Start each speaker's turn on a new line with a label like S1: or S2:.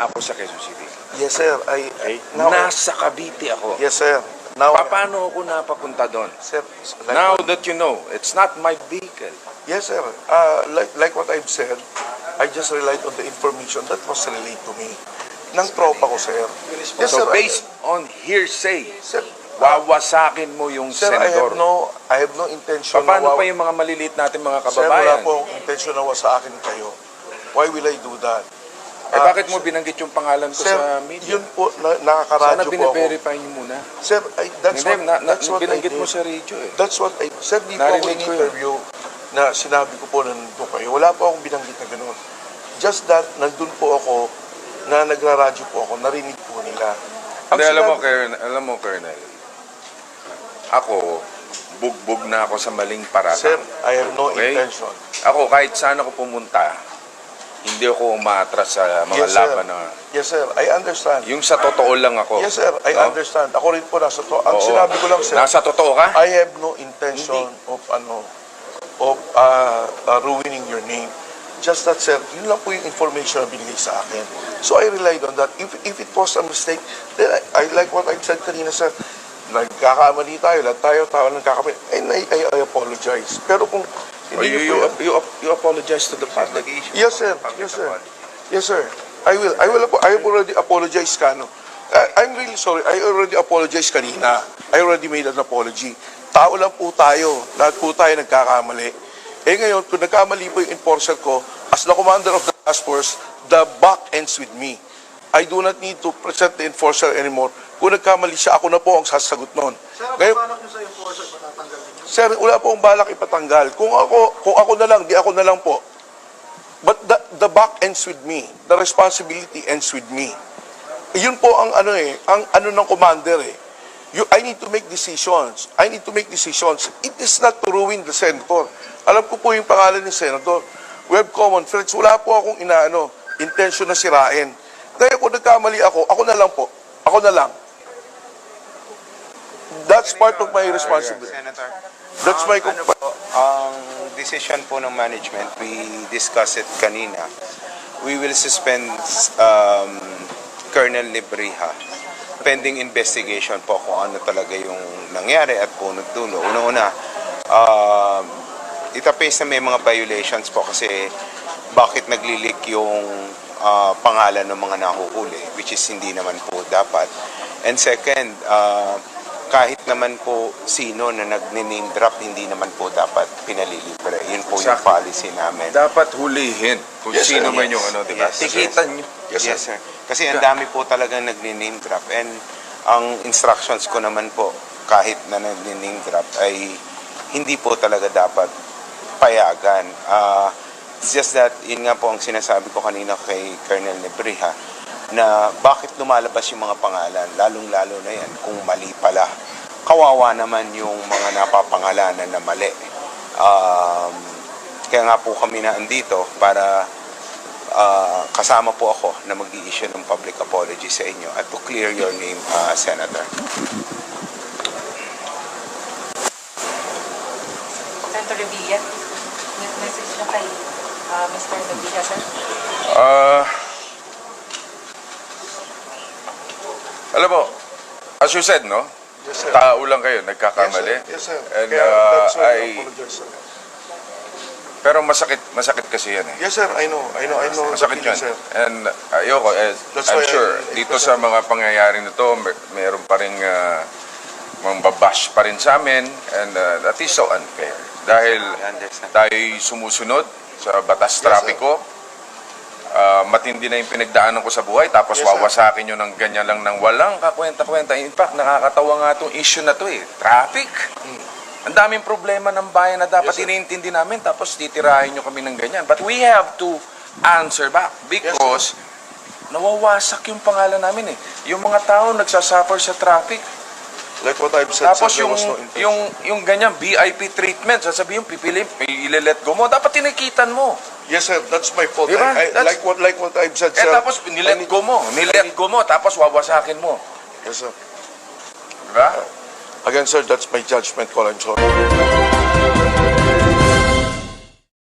S1: ako sa Quezon City.
S2: Yes, sir.
S1: Okay?
S2: Now,
S1: Nasa Cavite ako.
S2: yes, sir. Now,
S1: Paano ako napapunta doon?
S2: sir,
S1: Now that you know, it's not my vehicle.
S2: yes, sir. Like what I've said, I just relied on the information that was relayed to me. Ng tropa ko, sir. Yes,
S1: So
S2: sir.
S1: based on hearsay,
S2: Sir,
S1: wawasakin mo yung
S2: sir, I
S1: senador.
S2: have no intention
S1: Paano
S2: na
S1: pa yung mga maliliit natin mga
S2: Sir, wala
S1: kababayan?
S2: pong intention na sa akin kayo. Why will I do that?
S1: Bakit mo binanggit yung pangalan ko
S2: Sir,
S1: sa media?
S2: yun po,
S1: Sana
S2: nakakaradyo po ako.
S1: bine-verify niyo muna.
S2: Sir, that's
S1: Hindi,
S2: what I
S1: binanggit
S2: did.
S1: mo sa radio eh.
S2: That's what I... Sir, di po ako
S1: Narinig ko yun.
S2: in-interview na sinabi ko po na nandun kayo. Wala po akong binanggit na gano'n. Just that, nandun po ako, na nagraradyo po ako, narinig po nila.
S1: Hindi, alam mo, Colonel, ako, bugbog na ako sa maling paratang.
S2: Sir, I have no
S1: Okay?
S2: intention.
S1: Ako, kahit saan ako pumunta, hindi ako umaatras sa mga
S2: Yes, sir.
S1: laban na...
S2: Yes, sir. I understand.
S1: Yung sa totoo lang ako.
S2: Yes, sir. I
S1: No?
S2: understand. Ako rin po nasa to. Ang
S1: Oo.
S2: sinabi ko lang, sir,
S1: Nasa totoo ka?
S2: I have no intention of ruining your name. Just that, sir, yun lang po yung information na binigay sa akin. So I relied on that. If it was a mistake, then I like what I said kanina, sir. Nagkakamali tayo, lahat tayo, tao nagkakamali. And I apologize. Pero kung hindi niyo po yan-
S1: You apologize to the public.
S2: Yes, sir. Yes, sir. Yes, sir. I will. I have already apologized, Kano. I'm really sorry. I already apologized kanina. I already made an apology. Tao lang po tayo. Lahat po tayo nagkakamali. Eh ngayon, kung nagkamali po yung enforcer ko, as the commander of the task force, the buck ends with me. I do not need to present the enforcer anymore. Kung nagkamali siya, ako na po ang sasagot noon.
S3: Sir,
S2: Ngayon,
S3: paano nyo sa enforcer patatanggal ninyo?
S2: sir, wala po akong balak ipatanggal. Kung ako na lang, di ako na lang po. But the buck ends with me. The responsibility ends with me. Yun po ang ang ng commander eh. I need to make decisions. I need to make decisions. It is not to ruin the senator. Alam ko po yung pangalan ng senator. We have common friends. Wala po akong intention na sirain. Kaya kung nagkamali ako na lang po. Ako na lang. That's part of my responsibility.
S4: Senator,
S2: That's my
S4: ang decision po ng management, we discussed it kanina. We will suspend Colonel Libriha pending investigation po kung ano talaga yung nangyari at punot dulo. Una-una, it appears na may mga violations po kasi bakit naglilik yung pangalan ng mga nahuhuli, which is hindi naman po dapat. And second, kahit naman po sino na nag-name drop, hindi naman po dapat pinalilibre. Yun po yung policy namin.
S1: Dapat hulihin kung
S2: Yes,
S1: sino
S2: sir.
S1: man yung di ba?
S4: Yes,
S1: Tikitan nyo.
S2: Yes,
S4: Yes, sir. Kasi ang dami po talagang nag-name drop. And ang instructions ko naman po, kahit na nag-name drop, ay hindi po talaga dapat payagan. It's just that, yun nga po ang sinasabi ko kanina kay Colonel Nebriha, na bakit lumalabas yung mga pangalan, lalong-lalo na yan, kung mali pala. Kawawa naman yung mga napapangalanan na mali. Kaya nga po kami na andito para kasama po ako na mag-i-issue ng public apology sa inyo at to clear your name, Senator.
S5: Senator Revilla, message na kay Mr. Revilla, sir.
S1: Alam mo, as you said, no?
S2: Yes, sir.
S1: Tao lang kayo, nagkakamali.
S2: Yes, sir.
S1: And
S2: Kaya that's why I apologize, sir.
S1: pero masakit kasi yan eh.
S2: Yes, sir. I know.
S1: Masakit
S2: the
S1: yan.
S2: feeling, sir.
S1: And ayoko,
S2: That's
S1: I'm
S2: why
S1: sure,
S2: I
S1: dito sa mga pangyayari na to, meron pa rin mga babash pa rin sa amin, and that is so unfair. Dahil
S4: I understand.
S1: tayo'y sumusunod sa batas
S2: Yes,
S1: trapiko, matindi na yung pinagdaanan ko sa buhay, tapos
S2: Yes, sir.
S1: wawasakin nyo ng ganyan lang ng walang kakwenta-kwenta. In fact, nakakatawa nga itong issue na to eh. Traffic. Ang daming problema ng bayan na dapat
S2: Yes, sir.
S1: iniintindi namin, tapos titirahin nyo kami ng ganyan. But we have to answer back because nawawasak yung pangalan namin eh. Yung mga tao nagsasuffer sa traffic.
S2: Like what I've said,
S1: Tapos
S2: sir, there was no intention.
S1: yung ganyan, VIP treatment, sasabihin, pipili, ile-let go mo. Dapat tinikitan mo.
S2: Yes, sir. That's my fault.
S1: Diba?
S2: Like what I've said, sir.
S1: Tapos nilet go mo, tapos wawasakin mo.
S2: Yes, sir.
S1: Diba?
S2: Again, sir, that's my judgment call. I'm sorry.